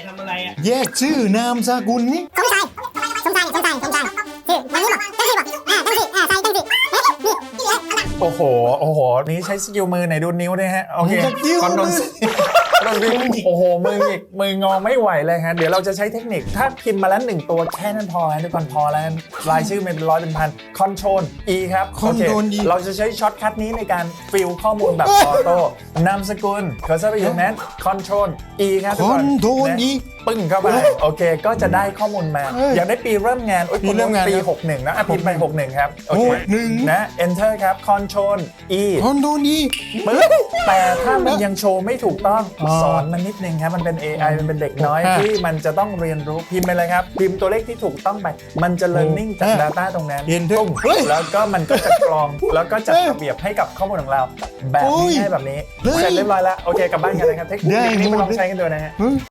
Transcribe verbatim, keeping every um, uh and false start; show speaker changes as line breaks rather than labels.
ทำอะไรอ่ะ
แยกชื่อนามสกุลนี่
เขาไม่ใช่สงสัยสงสัยสงสัยชื่อวันนี้บอกตั้งชื่อบอกอ่าตั้งชื่ออ่าใส่ตั้งชื่อเอ๊ะนี่ที่เหลือเอาละ
โอ้โหโอ้โหนี่ใช้สกิลมือไหนดูนิ้วด้วยฮะโอเค
สกิล
คอนโด
มื
น
อ
โดนวิ่งโอ้โหมืออีกมืองอไม่ไหวเลยฮะเดี๋ยวเราจะใช้เทคนิคถ้าพิมพ์มาแล้วหนึ่งตัวแค่นั้นพอฮะทุกคนพอแล้วรายชื่อไม่เป็นร้อยเป็นพันคอนโทรล E ครับโอเค
Control E
เราจะใช้ช็อตคัทนี้ในการฟิลข้อมูลแบบออโต้นามสกุลเคอร์เซอร์ไปอยู่นั้นคอนโทรล E ครับทุกคน
Control
นะ
E
ปึ้งเข้าไปโอเคก็จะได้ข้อมูลมา
เอ้ย
อยากได้ปีเริ่มงานโอ้ย
ปีเริ่มงาน
ปี
ครับ
หกสิบเอ็ดนะอ่ะพิมพ์ไปหกสิบเอ็ดครับโอเค
หกสิบเอ็ด
นะ enter ครับ control E
คอนโดนี
ปึ๊บแต่ถ้ามันยังโชว์ไม่ถูกต้อง
อ๋อ
สอนมันนิดนึงครับมันเป็น เอ ไอ มันเป็นเด็กน้อย
อ่ะ
ที่มันจะต้องเรียนรู้พิมพ์ไปเลยครับ พิมพ์ตัวเลขที่ถูกต้องไป มันจะ learning จาก
อ่ะ
data ตรงนั้น
Enter
ตุ้ม
เฮ้ย
แล้วก็มันก็จะกรอง แล้วก็จัด
เอ้ย
ระเบียบให้กับข้อมูลของเรา แบบ
โอ้
นี้
ย
ให้แบบนี้
เฮ้ย
เสร็จเรียบร้อยแล้วโอเคกลับบ้านกันเลยครับเทคนิค
ได้
นี้
หม
มา
ด
ลองใช้กันดูนะฮะ
เฮ้ย